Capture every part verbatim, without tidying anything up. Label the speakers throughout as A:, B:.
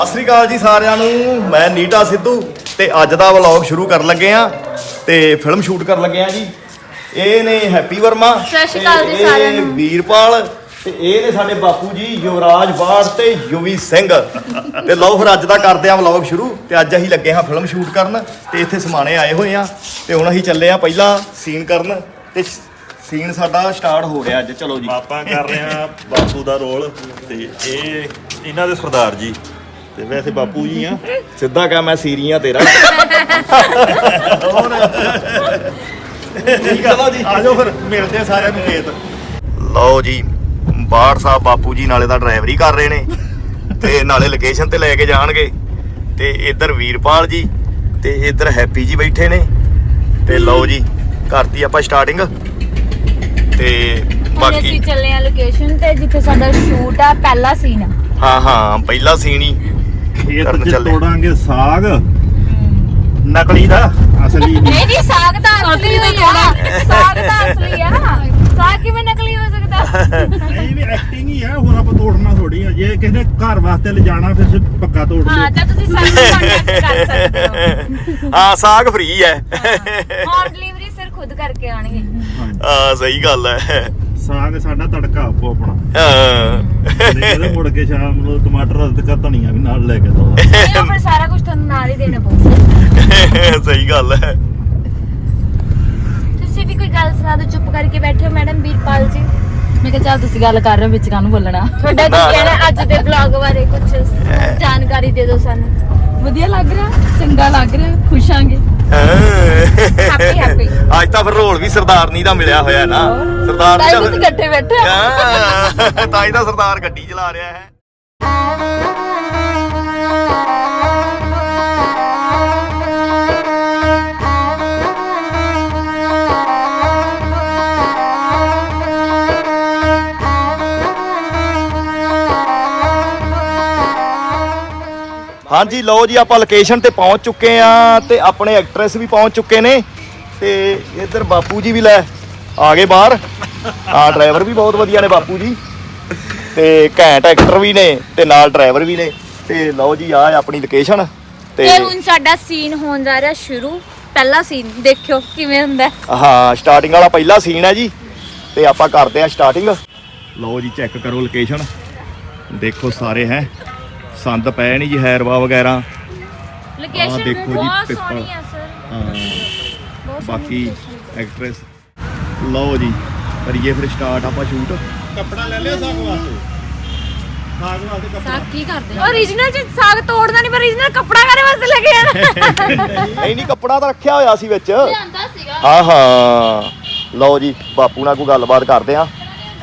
A: ਸਤਿ ਸ਼੍ਰੀ ਅਕਾਲ ਜੀ ਸਾਰਿਆਂ ਨੂੰ। ਮੈਂ ਨੀਟਾ ਸਿੱਧੂ ਤੇ ਅੱਜ ਦਾ ਵਲੌਗ ਸ਼ੁਰੂ ਕਰਨ ਲੱਗੇ ਆ ਤੇ ਫਿਲਮ ਸ਼ੂਟ ਕਰਨ ਲੱਗੇ ਆ ਜੀ। ਇਹ ਨੇ ਹੈਪੀ ਵਰਮਾ,
B: ਸਤਿ ਸ਼੍ਰੀ ਅਕਾਲ ਜੀ ਸਾਰਿਆਂ ਨੂੰ।
A: ਵੀਰਪਾਲ ਤੇ ਇਹ ਨੇ ਸਾਡੇ ਬਾਪੂ ਜੀ ਯੁਵਰਾਜ ਬਾੜ ਤੇ ਯੁਵੀ ਸਿੰਘ। ਤੇ ਲਓ ਫਿਰ ਅੱਜ ਦਾ ਕਰਦੇ ਆ ਵਲੌਗ ਸ਼ੁਰੂ। ਤੇ ਅੱਜ ਅਸੀਂ ਲੱਗੇ ਹਾਂ ਫਿਲਮ ਸ਼ੂਟ ਕਰਨ ਤੇ ਇੱਥੇ ਸਮਾਣੇ ਆਏ ਹੋਏ ਆ ਤੇ ਹੁਣ ਅਸੀਂ ਚੱਲੇ ਆ ਪਹਿਲਾਂ ਸੀਨ ਕਰਨ ਤੇ ਸੀਨ ਸਾਡਾ ਸਟਾਰਟ ਹੋ ਰਿਹਾ ਅੱਜ। ਚਲੋ ਜੀ,
C: ਆਪਾਂ ਕਰ ਰਹੇ ਆ ਬਾਪੂ ਦਾ ਰੋਲ ਤੇ ਇਹ ਇਹਨਾਂ ਦੇ ਸਰਦਾਰ ਜੀ ਤੇ ਵੈਸੇ ਬਾਪੂ ਜੀ ਆ।
A: ਸਿੱਧਾ ਕਹਾਂ ਮੈਂ ਸੀਰੀਆਂ ਤੇਰਾ।
C: ਚਲੋ ਜੀ ਆ ਜਾਓ ਫਿਰ ਮਿਲਦੇ ਆ ਸਾਰਿਆਂ ਨੂੰ ਖੇਤ।
A: ਲਓ ਜੀ, ਬਾੜ ਸਾਹਿਬ ਬਾਪੂ ਜੀ ਨਾਲੇ ਤਾਂ ਡਰਾਈਵਰੀ ਕਰ ਰਹੇ ਨੇ ਤੇ ਨਾਲੇ ਲੋਕੇਸ਼ਨ ਤੇ ਲੈ ਕੇ ਜਾਣਗੇ। ਤੇ ਇੱਧਰ ਵੀਰਪਾਲ ਜੀ ਤੇ ਇੱਧਰ ਹੈਪੀ ਜੀ ਬੈਠੇ ਨੇ। ਤੇ ਲਓ ਜੀ, ਕਰਤੀ ਆਪਾਂ ਸਟਾਰਟਿੰਗ ਤੇ
B: ਬਾਕੀ ਅਸੀਂ ਚੱਲੇ ਆ ਲੋਕੇਸ਼ਨ ਤੇ ਜਿੱਥੇ ਸਾਡਾ ਸ਼ੂਟ ਆ ਪਹਿਲਾ ਸੀਨ।
A: ਹਾਂ ਹਾਂ ਪਹਿਲਾ ਸੀਨ ਹੀ
C: ਖੇਤ
A: ਕਰਨ
C: 'ਚ
A: ਚੱਲੇ।
C: ਤੋੜਾਂਗੇ ਸਾਗ ਨਕਲੀ ਦਾ, ਅਸਲੀ ਨਹੀਂ।
B: ਨਹੀਂ ਨਹੀਂ, ਸਾਗ ਤਾਂ ਅਸਲੀ ਹੋਈ ਆ। ਸਾਗ ਤਾਂ ਅਸਲੀ ਆ। ਸਾਗ ਕਿਵੇਂ ਨਕਲੀ ਹੋ ਸਕਦਾ?
C: ਨਹੀਂ ਵੀ ਐਕਟਿੰਗ ਹੀ ਆ, ਹੋਰ ਆਪਾਂ ਤੋੜਨਾ ਥੋੜੀ ਆ। ਜੇ ਕਿਸੇ ਨੇ ਘਰ ਵਾਸਤੇ ਲਿਜਾਣਾ ਫਿਰ ਪੱਕਾ ਤੋੜ ਦਿਓ।
B: ਹਾਂ ਤਾਂ ਤੁਸੀਂ ਸਾਗ ਕੰਟੈਕਟ ਕਰ ਸਕਦੇ ਹੋ।
A: ਹਾਂ ਸਾਗ ਫ੍ਰੀ ਹੈ।
B: ਹੋਮ ਡਿਲੀਵਰੀ ਸਿਰ ਖੁਦ ਕਰਕੇ ਆਣਗੇ।
A: ਹਾਂ ਸਹੀ ਗੱਲ ਹੈ।
C: ਸਾਗ ਸਾਡਾ ਤੜਕਾ ਆਪੋ ਆਪਣਾ।
A: ਹਾਂ
C: ਨਹੀਂ ਕਹਿੰਦੇ ਮੁੜ ਕੇ ਸ਼ਾਮ ਨੂੰ ਟਮਾਟਰ ਅਦਰਕ ਧਨੀਆ ਵੀ ਨਾਲ ਲੈ ਕੇ ਦੋ।
B: ਨਹੀਂ ਉਹ ਫਿਰ ਸਾਰਾ ਕੁਝ ਤੁਹਾਨੂੰ ਨਾਲ ਹੀ ਦੇਣਾ ਪਊਗਾ।
A: ਸਹੀ ਗੱਲ ਹੈ।
B: ਤੁਸੀਂ ਵੀ ਕੋਈ ਗੱਲ ਸੁਣਾ ਦਿਓ। ਚੁੱਪ ਕਰਕੇ ਬੈਠੇ ਹੋ ਮੈਡਮ ਵੀਰਪਾਲ ਜੀ।
D: ਮੈਂ ਕਿਹਾ ਚੱਲ ਤੁਸੀਂ ਗੱਲ ਕਰ ਰਹੇ ਹੋ ਵਿੱਚ ਕਾਹਨੂੰ ਬੋਲਣਾ।
B: ਤੁਹਾਡਾ ਕੀ ਕਹਿਣਾ ਅੱਜ ਦੇ ਵਲੌਗ ਬਾਰੇ? ਕੁਝ ਜਾਣਕਾਰੀ ਦੇ ਦਿਓ ਸਾਨੂੰ।
D: ਵਧੀਆ ਲੱਗ ਰਿਹਾ, ਚੰਗਾ ਲੱਗ ਰਿਹਾ, ਖੁਸ਼ ਆਂਗੇ।
B: Happy happy.
A: ਅੱਜ ਤਾਂ ਫਿਰ ਰੋਲ ਵੀ ਸਰਦਾਰਨੀ ਦਾ ਮਿਲਿਆ ਹੋਇਆ ਨਾ। ਸਰਦਾਰਨੀ
D: ਤਾਂ
A: ਦਾ
D: ਤੁਸੀਂ ਇਕੱਠੇ ਬੈਠੇ ਹੋ।
A: ਹਾਂ, ਤਾਂ ਹੀ ਤਾਂ ਸਰਦਾਰ ਗੱਡੀ ਚਲਾ ਰਿਹਾ ਹੈ। ਹਾਂਜੀ ਲਓ ਜੀ, ਆਪਾਂ ਲੋਕੇਸ਼ਨ ਤੇ ਪਹੁੰਚ ਚੁੱਕੇ ਆ ਤੇ ਆਪਣੇ ਐਕਟਰੈਸ ਵੀ ਪਹੁੰਚ ਚੁੱਕੇ ਨੇ ਤੇ ਇੱਧਰ ਬਾਪੂ ਜੀ ਵੀ ਲੈ ਆ ਗਏ ਬਾਹਰ। ਆ ਡਰਾਈਵਰ ਵੀ ਬਹੁਤ ਵਧੀਆ ਨੇ ਬਾਪੂ ਜੀ ਤੇ ਘੈਂਟ ਐਕਟਰ ਵੀ ਨੇ ਤੇ ਨਾਲ ਡਰਾਈਵਰ ਵੀ ਨੇ। ਤੇ ਲਓ ਜੀ, ਆ ਆਪਣੀ ਲੋਕੇਸ਼ਨ ਤੇ
B: ਤੇ ਹੁਣ ਸਾਡਾ ਸੀਨ ਹੋਣ ਜਾ ਰਿਹਾ ਸ਼ੁਰੂ। ਪਹਿਲਾ ਸੀਨ ਦੇਖਿਓ ਕਿਵੇਂ ਹੁੰਦਾ।
A: ਹਾਂ ਸਟਾਰਟਿੰਗ ਵਾਲਾ ਪਹਿਲਾ ਸੀਨ ਹੈ ਜੀ ਤੇ ਆਪਾਂ ਕਰਦੇ ਆ ਸਟਾਰਟਿੰਗ। ਲਓ ਜੀ, ਚੈੱਕ ਕਰੋ ਲੋਕੇਸ਼ਨ, ਦੇਖੋ ਸਾਰੇ ਹੈ ਸੰਦ ਪਏ ਨਹੀਂ ਜੀ, ਹੈਰਵਾ ਵਗੈਰਾ।
B: ਲੋਕੇਸ਼ਨ
A: ਦੇਖੋ ਜੀ,
B: ਬਹੁਤ
A: ਪਿੱਪਲ।
B: ਸੋਹਣੀ ਆ ਸਰ।
A: ਹਾਂ
B: ਬਹੁਤ
A: ਬਾਕੀ ਐਕਟਰੈਸ। ਲਓ ਜੀ, ਕਰੀਏ ਫਿਰ ਸਟਾਰਟ ਆਪਾਂ ਸ਼ੂਟ।
C: ਕੱਪੜਾ ਲੈ ਲਿਆ ਸਾਗ ਵਾਸਤੇ। ਸਾਗ ਵਾਸਤੇ ਕੱਪੜਾ
D: ਸਾਗ ਕੀ ਕਰਦੇ
B: ਓਰੀਜਨਲ ਚ ਸਾਗ ਤੋੜਨਾ ਨਹੀਂ, ਪਰ ਓਰੀਜਨਲ ਕੱਪੜਾ ਕਾਰੇ ਵਾਸਤੇ ਲੈ ਕੇ ਆਣਾ?
A: ਨਹੀਂ ਨਹੀਂ, ਕੱਪੜਾ ਤਾਂ ਰੱਖਿਆ ਹੋਇਆ ਸੀ ਵਿੱਚ।
D: ਲਿਆਂਦਾ ਸੀਗਾ।
A: ਹਾਂ ਹਾਂ ਲਓ ਜੀ, ਬਾਪੂ ਨਾਲ ਕੋਈ ਗੱਲਬਾਤ ਕਰਦੇ ਆ।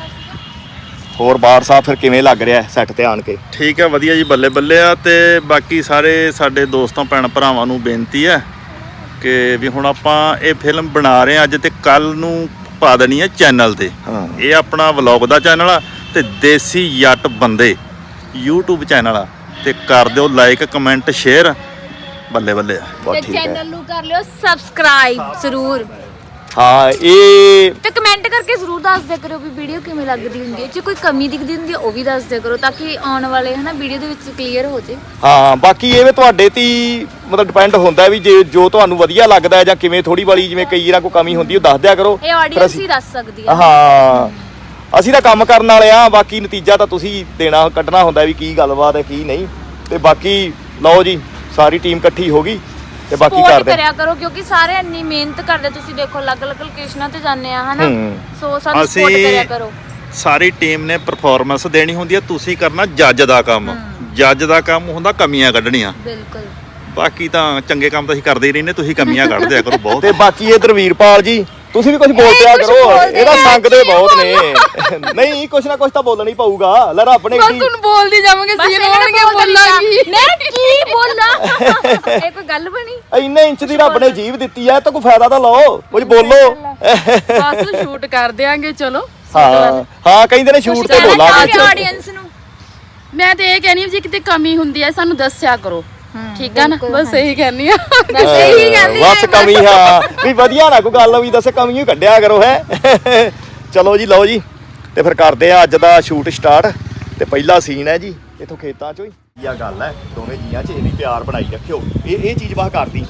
A: ਹੋਰ ਬਾੜ ਸਾਹਿਬ ਫਿਰ ਕਿਵੇਂ ਲੱਗ ਰਿਹਾ ਸੈੱਟ ਤੇ ਆਣ ਕੇ?
C: ਠੀਕ ਹੈ, ਵਧੀਆ ਜੀ, ਬੱਲੇ ਬੱਲੇ ਆ। ਤੇ ਬਾਕੀ ਸਾਰੇ ਸਾਡੇ ਦੋਸਤਾਂ ਭੈਣ ਭਰਾਵਾਂ ਨੂੰ ਬੇਨਤੀ ਹੈ ਕਿ ਵੀ ਹੁਣ ਆਪਾਂ ਇਹ ਫਿਲਮ ਬਣਾ ਰਹੇ ਆ ਅੱਜ ਤੇ ਕੱਲ ਨੂੰ ਪਾ ਦੇਣੀ ਹੈ ਚੈਨਲ ਤੇ।
A: ਹਾਂ
C: ਇਹ ਆਪਣਾ ਵਲੌਗ ਦਾ ਚੈਨਲ ਆ ਤੇ ਦੇਸੀ ਜੱਟ ਬੰਦੇ YouTube ਚੈਨਲ ਆ। ਤੇ ਕਰ ਦਿਓ ਲਾਈਕ ਕਮੈਂਟ ਸ਼ੇਅਰ, ਬੱਲੇ ਬੱਲੇ ਆ।
A: ਬਹੁਤ
B: ਤੇ
A: ਠੀਕ ਹੈ।
B: ਚੈਨਲ ਨੂੰ ਕਰ ਲਿਓ ਸਬਸਕ੍ਰਾਈਬ ਜ਼ਰੂਰ
A: ਹਾਂ ਇਹ
B: ਤੇ ਕਮੈਂਟ ਕਰਕੇ ਜ਼ਰੂਰ ਦੱਸ ਦਿਆ ਕਰੋ ਵੀ ਵੀਡੀਓ ਕਿਵੇਂ ਲੱਗਦੀ ਹੁੰਦੀ ਹੈ। ਜੇ ਕੋਈ ਕਮੀ ਦਿਖਦੀ ਹੁੰਦੀ ਹੈ ਉਹ ਵੀ ਦੱਸ ਦਿਆ ਕਰੋ ਤਾਂ ਕਿ ਆਉਣ ਵਾਲੇ ਹਨਾ ਵੀਡੀਓ ਦੇ ਵਿੱਚ ਕਲੀਅਰ ਹੋ ਜੇ।
A: ਹਾਂ ਬਾਕੀ ਇਹ ਵੀ ਤੁਹਾਡੇ ਤੇ ਹੀ ਮਤਲਬ ਡਿਪੈਂਡ ਹੁੰਦਾ ਵੀ ਜੇ ਜੋ ਤੁਹਾਨੂੰ ਵਧੀਆ ਲੱਗਦਾ ਹੈ ਜਾਂ ਕਿਵੇਂ ਥੋੜੀ ਵਾਲੀ ਜਿਵੇਂ ਕਈ ਵਾਰ ਕੋਈ ਕਮੀ ਹੁੰਦੀ ਉਹ ਦੱਸ ਦਿਆ ਕਰੋ।
B: ਇਹ
A: ਫਿਰ
B: ਆਡੀਅנס
A: ਅਸੀਂ-
B: ਹੀ ਦੱਸ ਸਕਦੀ ਹੈ।
A: ਹਾਂ ਅਸੀਂ ਤਾਂ ਕੰਮ ਕਰਨ ਵਾਲੇ ਆ, ਬਾਕੀ ਨਤੀਜਾ ਤਾਂ ਤੁਸੀਂ ਦੇਣਾ ਕੱਢਣਾ ਹੁੰਦਾ ਵੀ ਕੀ ਗੱਲਬਾਤ ਹੈ ਕੀ ਨਹੀਂ। ਤੇ ਬਾਕੀ ਲਓ ਜੀ, ਸਾਰੀ ਟੀਮ ਇਕੱਠੀ ਹੋ ਗਈ ਤੇ ਬਾਕੀ
B: ਸਪੋਰਟ
A: ਕਰਦੇ
B: ਕਰਿਆ ਕਰੋ ਕਿਉਂਕਿ ਸਾਰੇ ਇੰਨੀ ਮਿਹਨਤ ਕਰਦੇ। ਤੁਸੀਂ ਦੇਖੋ ਅਲੱਗ-ਅਲੱਗ ਲੋਕੇਸ਼ਨਾਂ ਤੇ ਜਾਂਦੇ ਆ ਹਨਾ,
A: ਹੂੰ।
B: ਸੋ ਸਾਨੂੰ ਸਪੋਰਟ
C: ਅਸੀਂ-
B: ਕਰਿਆ ਕਰੋ।
C: ਸਾਰੀ ਟੀਮ ਨੇ ਪਰਫਾਰਮੈਂਸ ਦੇਣੀ ਹੁੰਦੀ ਹੈ, ਤੁਸੀਂ ਕਰਨਾ ਜੱਜ ਦਾ ਕੰਮ। ਜੱਜ ਦਾ ਕੰਮ ਹੁੰਦਾ ਕਮੀਆਂ ਕੱਢਣੀਆਂ।
B: ਬਿਲਕੁਲ।
C: ਬਾਕੀ ਤਾਂ ਚੰਗੇ ਕੰਮ ਤਾਂ ਅਸੀਂ ਕਰਦੇ ਹੀ ਰਹਿੰਦੇ, ਤੁਸੀਂ ਕਮੀਆਂ ਕੱਢ ਦਿਆ ਕਰੋ ਬਹੁਤ।
A: ਤੇ ਬਾਕੀ ਇਧਰ ਵੀਰਪਾਲ ਜੀ ਤੁਸੀਂ ਵੀ ਕੁਝ ਬੋਲ
B: ਇਹ
A: ਪਿਆ
B: ਕੁਛ
A: ਕਰੋ।
B: ਬੋਲਦੇ
A: ਇਹਦਾ
B: ਨੇ,
A: ਸੰਗਦੇ
B: ਕੀ
A: ਬਹੁਤ ਨੇ। ਨਹੀਂ ਕੁਛ ਨਾ ਕੁਛ ਤਾਂ ਬੋਲਣਾ ਹੀ ਪਊਗਾ। ਲੈ ਰੱਬ ਨੇ
D: ਬਸ
A: ਏਡੀ-
D: ਹੁਣ ਬੋਲਦੀ ਜਾਵਾਂਗੇ,
B: ਬਸ
D: ਸੀਨ
B: ਇਹਨਾਂ ਨੇ
D: ਹੋਣਗੇ,
B: ਬੋਲ ਦਿੱਤਾ।
D: ਬੋਲਾਂਗੀ।
B: ਮੈਂ ਕੀ ਬੋਲਾਂ? ਇਹ ਕੋਈ ਗੱਲ ਬਣੀ?
A: ਇੰਨੇ ਇੰਚ ਦੀ ਰੱਬ ਨੇ ਜੀਭ ਦਿੱਤੀ ਹੈ ਤਾਂ ਕੋਈ ਫਾਇਦਾ ਤਾਂ ਲਓ, ਕੁਝ ਬੋਲੋ।
D: ਬਸ ਸ਼ੂਟ ਕਰ ਦਿਆਂਗੇ। ਚਲੋ
A: ਹਾਂ ਹਾਂ ਕਹਿੰਦੇ ਨੇ ਸ਼ੂਟ ਤੇ ਬੋਲਾਂਗੇ।
B: ਆਡੀਅנס ਨੂੰ
D: ਮੈਂ ਤੇ ਇਹ ਕਹਿਣੀ ਜੇ ਕਿਤੇ ਕਮੀ ਹੁੰਦੀ ਹੈ ਸਾਨੂੰ ਦੱਸਿਆ ਕਰੋ। ਠੀਕ ਆ ਨਾ,
B: ਬਿਲਕੁਲ,
D: ਬਸ ਇਹੀ ਕਹਿਣੀ ਆ।
B: ਬਸ ਇਹੀ ਕਹਿੰਦੀ
A: ਬਸ ਕਮੀ ਹਾਂ ਵੀ ਵਧੀਆ ਨਾ ਕੋਈ ਗੱਲ ਵੀ ਦੱਸੇ, ਕਮੀ ਹੀ ਕੱਢਿਆ ਕਰੋ ਹੈ। ਚਲੋ ਜੀ ਲਓ ਜੀ, ਤੇ ਫਿਰ ਕਰਦੇ ਆ ਅੱਜ ਦਾ ਸ਼ੂਟ ਸਟਾਰਟ। ਤੇ ਪਹਿਲਾ ਸੀਨ ਹੈ ਜੀ ਇਥੋਂ ਖੇਤਾਂ ਚੋਂ ਹੀ। ਇਹ ਗੱਲ ਹੈ ਦੋਵੇਂ ਜੀਆਂ 'ਚ ਇਹਦੀ ਪਿਆਰ ਬਣਾਈ ਰੱਖਿਓ ਇਹ ਇਹ ਚੀਜ਼ ਬਾਹ ਕਰਦੀ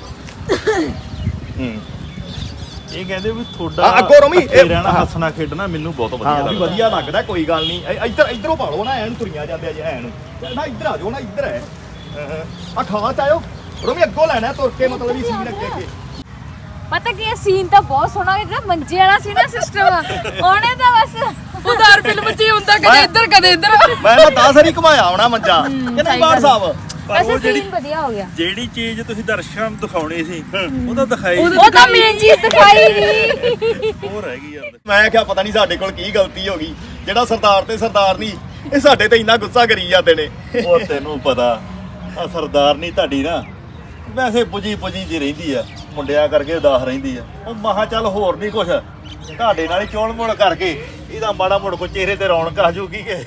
A: ਹੂੰ
C: ਇਹ ਕਹਿੰਦੇ ਵੀ
A: ਆ,
C: ਤੁਹਾਡਾ
A: ਅੱਗੋਂ ਰੋਮੀ,
C: ਇਕੱਠੇ
A: ਇਹ-
C: ਰਹਿਣਾ
A: ਹਾਂ।
C: ਹੱਸਣਾ ਖੇਡਣਾ ਮੈਨੂੰ ਬਹੁਤ ਵਧੀਆ
A: ਹਾਂ ਵੀ
C: ਲੱਗਦਾ
A: ਵਧੀਆ ਲੱਗਦਾ ਕੋਈ ਗੱਲ ਨਹੀਂ ਇ- ਇੱਧਰ ਇੱਧਰੋਂ ਪਾ ਲਓ ਨਾ ਐਨ ਤੁਰੀਆਂ ਜਾਂਦੇ ਜੇ ਐਨ ਨਾ ਇੱਧਰ ਆ ਜਾਓ ਨਾ ਇੱਧਰ ਹੈ ਆ ਖਾਂ ਚ ਆਇਓ ਰੋਮੀ ਅੱਗੋਂ ਲੈਣਾ ਤੁਰ ਕੇ ਮਤਲਬ ਵੀ ਸੀਨ ਅੱਗੇ ਅੱਗੇ
B: ਪਤਾ ਕੀ ਸੀਨ ਤਾਂ ਬਹੁਤ ਸੋਹਣਾ ਹੈ ਜਿਹੜਾ ਮੰਜੇ ਵਾਲਾ ਸੀ ਨਾ ਸਿਸਟਮ ਉਹਨੇ ਤਾਂ ਬਸ
D: ਉਧਾਰ ਫਿਲਮ ਚ ਹੀ ਹੁੰਦਾ ਕਦੇ ਇੱਧਰ ਕਦੇ ਇੱਧਰ
A: ਮੈਂ ਤਾਂ ਦਸ ਵਾਰੀ ਘੁਮਾਇਆ ਆਉਣਾ ਮੰਜਾ ਕਿ ਨਹੀਂ ਬਾੜ ਸਾਹਿਬ
B: ਵੈਸੇ ਸੀਨ ਵਧੀਆ ਹੋ ਗਿਆ
C: ਜਿਹੜੀ ਚੀਜ਼ ਤੁਸੀਂ ਦਰਸ਼ਕਾਂ ਨੂੰ ਦਿਖਾਉਣੀ ਸੀ ਉਹ ਤਾਂ ਦਿਖਾਈ
B: ਉਹ ਤਾਂ ਮੇਨ ਚੀਜ਼ ਦਿਖਾਈ ਨਹੀਂ
C: ਉਹ ਰਹਿ ਗਈ ਯਾਰ
A: ਮੈਂ ਕਿਹਾ ਪਤਾ ਨਹੀਂ ਸਾਡੇ ਕੋਲ ਕੀ ਗਲਤੀ ਹੋ ਗਈ ਜਿਹੜਾ ਸਰਦਾਰ ਤੇ ਸਰਦਾਰ ਨਹੀਂ ਇਹ ਸਾਡੇ ਤੇ ਇੰਨਾ ਗੁੱਸਾ ਕਰੀ ਜਾਂਦੇ ਨੇ
C: ਉਹ ਤੈਨੂੰ ਪਤਾ ਆ ਸਰਦਾਰ ਨਹੀਂ ਤੁਹਾਡੀ ਨਾ ਵੈਸੇ ਪੁਜੀ ਪੁਜੀ ਜੀ ਰਹਿੰਦੀ ਆ ਮੁੰਡਿਆਂ ਕਰਕੇ ਉਦਾਸ ਰਹਿੰਦੀ ਆ ਉਹ ਮਹਾ ਚੱਲ ਹੋਰ ਨਹੀਂ ਕੁਛ ਤੁਹਾਡੇ ਨਾਲ ਹੀ ਚੋਣ ਮੋੜ ਕਰਕੇ ਇਹਦਾ ਮਾੜਾ ਮੋੜ ਕੋ ਚਿਹਰੇ ਤੇ ਰੌਣਕ ਆ ਜੂਗੀ ਕਿ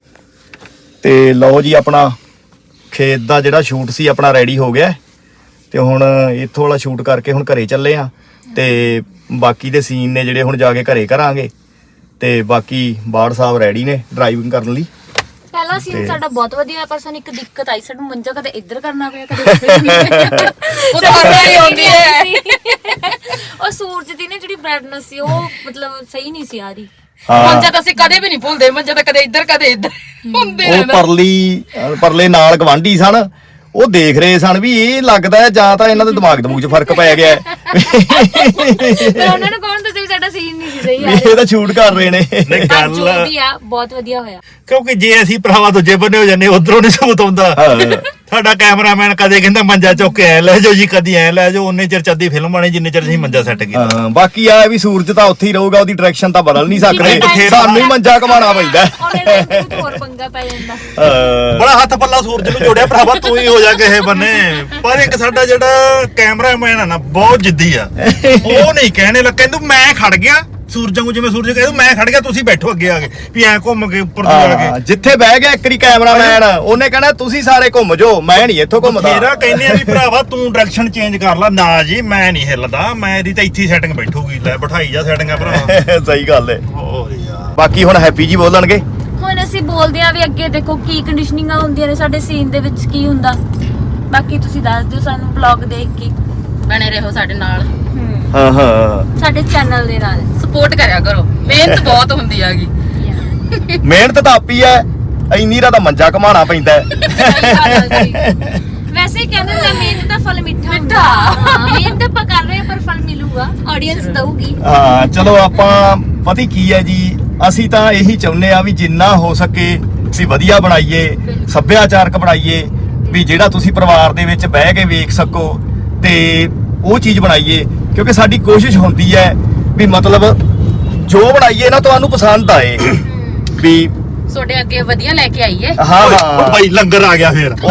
A: ਤੇ ਲਓ ਜੀ ਆਪਣਾ ਖੇਤ ਦਾ ਜਿਹੜਾ ਸ਼ੂਟ ਸੀ ਆਪਣਾ ਰੈਡੀ ਹੋ ਗਿਆ ਤੇ ਹੁਣ ਇੱਥੋਂ ਵਾਲਾ ਸ਼ੂਟ ਕਰਕੇ ਹੁਣ ਘਰੇ ਚੱਲੇ ਆ ਤੇ ਬਾਕੀ ਦੇ ਸੀਨ ਨੇ ਜਿਹੜੇ ਹੁਣ ਜਾ ਕੇ ਘਰੇ ਕਰਾਂਗੇ ਤੇ ਬਾਕੀ ਬਾੜ ਸਾਹਿਬ ਰੈਡੀ ਨੇ ਡਰਾਈਵਿੰਗ ਕਰਨ ਲਈ
B: ਪਹਿਲਾ ਸੀਨ ਸਾਡਾ ਬਹੁਤ ਵਧੀਆ ਪਰ ਸਾਨੂੰ ਇੱਕ ਦਿੱਕਤ ਆਈ ਸਾਨੂੰ ਮੰਜਾ ਕਦੇ ਇੱਧਰ ਕਰਨਾ ਪਿਆ ਕਦੇ ਉੱਧਰ
D: ਉਹ ਤਾਂ ਹਰ ਵਾਰੀ ਆਉਂਦੀ ਹੈ
B: ਉਹ ਸੂਰਜ ਦੀ ਨਾ ਜਿਹੜੀ ਬ੍ਰਾਈਟਨੈਸ ਸੀ ਉਹ ਮਤਲਬ ਸਹੀ ਨਹੀਂ ਸੀ ਆ ਰਹੀ
D: ਮੰਜਾ ਤਾਂ ਅਸੀਂ ਕਦੇ ਵੀ ਨਹੀਂ ਭੁੱਲਦੇ ਮੰਜਾ ਤਾਂ ਕਦੇ ਇੱਧਰ ਕਦੇ ਇੱਧਰ ਹੁੰਦੇ
A: ਉਹ ਪਰਲੀ ਅਹ ਪਰਲੇ ਨਾਲ ਗਵਾਂਢੀ ਸਨ ਉਹ ਦੇਖ ਰਹੇ ਸਨ ਵੀ ਇਹ ਲੱਗਦਾ ਹੈ ਜਾਂ ਤਾਂ ਇਹਨਾਂ ਦੇ ਦਿਮਾਗ ਦਮੂਗ 'ਚ ਫਰਕ ਪੈ ਗਿਆ ਹੈ
B: ਪਰ ਉਹਨਾਂ ਨੂੰ ਕੌਣ ਦੱਸੇ ਵੀ ਸਾਡਾ ਸੀਨ ਨਹੀਂ ਸੀ ਸਹੀ ਆ
A: ਇਹ ਤਾਂ ਸ਼ੂਟ ਕਰ ਰਹੇ ਨੇ
C: ਨਹੀਂ
B: ਪਰ
C: ਗੱਲ
B: ਜੋ ਵੀ ਆ ਬਹੁਤ ਵਧੀਆ ਹੋਇਆ
C: ਕਿਉਂਕਿ ਜੇ ਅਸੀਂ ਭਰਾਵਾ ਦੂਜੇ ਬੰਨੇ ਹੋ ਜਾਂਦੇ ਉਧਰੋਂ ਨਹੀਂ ਸਬੂਤ ਆਉਂਦਾ ਸਾਡਾ ਕੈਮਰਾਮੈਨ ਕਦੇ ਕਹਿੰਦਾ ਮੰਜਾ ਚੁੱਕ ਕੇ ਐ ਲੈ ਜਾਓ ਜੀ ਕਦੀ ਐ ਲੈ ਜਾਓ ਉਹਨੇ ਚਿਰ ਚੱਦੀ ਫਿਲਮ ਬਣੀ ਜਿੰਨੇ ਚਿਰ ਅਸੀਂ ਮੰਜਾ ਸੈੱਟ ਕੀਤਾ
A: ਹਾਂ ਬਾਕੀ ਆ ਵੀ ਸੂਰਜ ਤਾਂ ਉੱਥੇ ਹੀ ਰਹੂਗਾ ਉਹਦੀ ਡਾਇਰੈਕਸ਼ਨ ਤਾਂ ਬਦਲ ਨਹੀਂ ਸਕਦੇ ਸਾਨੂੰ ਹੀ ਮੰਜਾ ਘਮਾਣਾ ਪੈਂਦਾ
B: ਉਹਨੇ ਤਾਂ ਇੱਕ ਹੋਰ ਪੰਗਾ ਪੈ ਜਾਂਦਾ
A: ਹਾਂ
C: ਬੜਾ ਹੱਥ ਪੱਲਾ ਸੂਰਜ ਨੂੰ ਜੋੜਿਆ ਭਰਾਵਾ ਤੂੰ ਹੀ ਹੋ ਜਾ ਕਿਸੇ ਬੰਨੇ ਪਰ ਇੱਕ ਸਾਡਾ ਜਿਹੜਾ ਕੈਮਰਾਮੈਨ ਆ ਨਾ ਬਹੁਤ ਜਿੱਦੀ ਆ ਉਹ ਨਹੀਂ ਕਹਿਣੇ ਲੱਗ ਕਹਿੰਦਾ ਮੈਂ ਖੜ ਗਿਆ ਸੂਰਜ ਨੂੰ ਜਿਵੇਂ ਸੂਰਜ ਕਹਿੰਦਾ ਮੈਂ ਖੜ ਗਿਆ ਤੁਸੀਂ ਬੈਠੋ ਅੱਗੇ ਆ ਕੇ ਵੀ ਐ ਘੁੰਮ ਕੇ ਉੱਪਰ ਤੋਂ ਜਾ
A: ਹਾਂ,
C: ਕੇ
A: ਜਿੱਥੇ ਬਹਿ ਗਿਆ ਇੱਕਰੀ ਕੈਮਰਾਮੈਨ ਉਹਨੇ ਕਹਿਣਾ ਤੁਸੀਂ ਸਾਰੇ ਘੁੰਮ ਜਾਓ ਮੈਂ ਨਹੀਂ ਇੱਥੋਂ ਘੁੰਮਦਾ
C: ਮੇਰਾ ਕਹਿੰਦੇ ਆ ਵੀ ਭਰਾਵਾ ਤੂੰ ਡਾਇਰੈਕਸ਼ਨ ਚੇਂਜ ਕਰ ਲੈ ਨਾ ਜੀ ਮੈਂ ਨਹੀਂ ਹਿੱਲਦਾ ਮੈਂ ਇਹਦੀ ਤਾਂ ਇੱਥੇ ਸੈਟਿੰਗ ਬੈਠੂਗੀ ਲੈ ਬਿਠਾਈ ਜਾ ਸੈਟਿੰਗਾਂ ਭਰਾਵਾ
A: ਸਹੀ ਗੱਲ ਹੈ
C: ਹੋਰ ਯਾਰ
A: ਬਾਕੀ ਹੁਣ ਹੈਪੀ ਜੀ ਬੋਲਣਗੇ
B: ਹੁਣ ਅਸੀਂ ਬੋਲਦੇ ਆ ਵੀ ਅੱਗੇ ਦੇਖੋ ਕੀ ਕੰਡੀਸ਼ਨਿੰਗਾਂ ਹੁੰਦੀਆਂ ਨੇ ਸਾਡੇ ਸੀਨ ਦੇ ਵਿੱਚ ਕੀ ਹੁੰਦਾ ਬਾਕੀ ਤੁਸੀਂ ਦੱਸ ਦਿਓ ਸਾਨੂੰ ਬਲੌਗ ਦੇਖ ਕੇ
D: ਬਣੇ ਰਹੋ ਸਾਡੇ ਨਾਲ
A: ਹਾਂ ਹਾਂ
B: ਸਾਡੇ ਚੈਨਲ ਦੇ ਨਾਲ
D: ਸਪੋਰਟ ਕਰਿਆ ਕਰੋ ਮਿਹਨਤ ਬਹੁਤ ਹੁੰਦੀ ਹੈਗੀ
A: ਮਿਹਨਤ ਤਾਂ ਆਪੀ ਐ ਇੰਨੀ ਰਾ ਤਾਂ ਮੰਜਾ ਘਮਾਣਾ ਪੈਂਦਾ ਹੈ।
B: ਵੈਸੇ ਕਹਿੰਦੇ ਨੇ ਮਿਹਨਤ ਦਾ ਫਲ ਮਿੱਠਾ ਹੁੰਦਾ ਹਾਂ ਮਿਹਨਤ ਆਪਾਂ ਕਰ ਰਹੇ ਹਾਂ ਪਰ ਫਲ ਮਿਲੂਗਾ ਆਡੀਅנס ਦਊਗੀ
A: ਹਾਂ ਚਲੋ ਆਪਾਂ ਪਤਾ ਕੀ ਹੈ ਜੀ ਅਸੀਂ ਤਾਂ ਇਹੀ ਚਾਹੁੰਦੇ ਆ ਵੀ ਜਿੰਨਾ ਹੋ ਸਕੇ ਵੀ ਵਧੀਆ ਬਣਾਈਏ ਸੱਭਿਆਚਾਰਕ ਬਣਾਈਏ ਵੀ ਜਿਹੜਾ ਤੁਸੀਂ ਪਰਿਵਾਰ ਦੇ ਵਿੱਚ ਬਹਿ ਕੇ ਵੇਖ ਸਕੋ ਤੇ ਉਹ ਚੀਜ਼ ਬਣਾਈਏ ਕਿਉਂਕਿ ਸਾਡੀ ਕੋਸ਼ਿਸ਼ ਹੁੰਦੀ ਹੈ ਵੀ ਮਤਲਬ ਜੋ ਬਣਾਈਏ ਨਾ ਤੁਹਾਨੂੰ ਪਸੰਦ ਆਏ ਵੀ
D: ਤੁਹਾਡੇ ਅੱਗੇ ਵਧੀਆ ਲੈ ਕੇ ਆਈਏ
A: ਹਾਂ
C: ਉਹ
A: ਹਾਂ
C: ਭਾਈ ਲੰਗਰ ਆ ਗਿਆ ਫੇਰ